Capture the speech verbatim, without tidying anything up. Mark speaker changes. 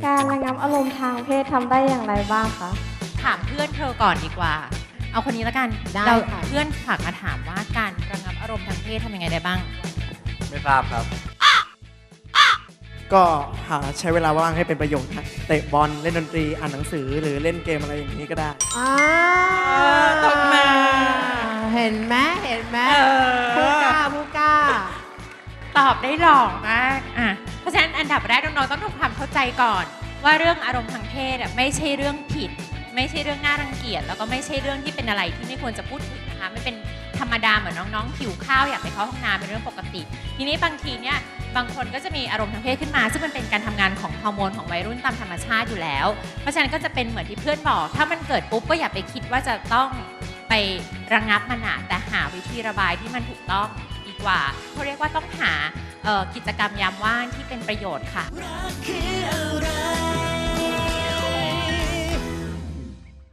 Speaker 1: การระงับอารมณ์ทางเพศทำได้อย่างไรบ้างคะ
Speaker 2: ถามเพื่อนเธอก่อนดีกว่าเอาคนนี้แล้วกันเราเพื่อนฝากมาถามว่าการระงับอารมณ์ทางเพศทำยังไงได้บ้าง
Speaker 3: ไม่ทราบครับ
Speaker 4: ก็หาใช้เวลาว่างให้เป็นประโยชน์นะเตะบอลเล่นดนตรีอ่านหนังสือหรือเล่นเกมอะไรอย่างนี้ก็ได้
Speaker 5: อ่า
Speaker 2: ตบมา
Speaker 5: เห็นไหมเห็นไหมผู้กล้าผู้กล้า
Speaker 2: ตอบได้หล่อมากอ่ะเพราะฉะนั้นอันดับแรกน้องๆต้องทำความเข้าใจก่อนว่าเรื่องอารมณ์ทางเพศไม่ใช่เรื่องผิดไม่ใช่เรื่องน่ารังเกียจแล้วก็ไม่ใช่เรื่องที่เป็นอะไรที่ไม่ควรจะพูดถึงนะคะไม่เป็นธรรมดาเหมือนน้องๆหิวข้าวอยากไปเข้าห้องน้ำเป็นเรื่องปกติทีนี้บางทีเนี่ยบางคนก็จะมีอารมณ์ทางเพศขึ้นมาซึ่งมันเป็นการทำงานของฮอร์โมนของวัยรุ่นตามธรรมชาติอยู่แล้วเพราะฉะนั้นก็จะเป็นเหมือนที่เพื่อนบอกถ้ามันเกิดปุ๊บก็อย่าไปคิดว่าจะต้องไประงับมันนะแต่หาวิธีระบายที่มันถูกต้องดีกว่าเขาเรียกว่าต้องหากิจกรรมยามว่างที่เป็นประโยชน์ค่ะ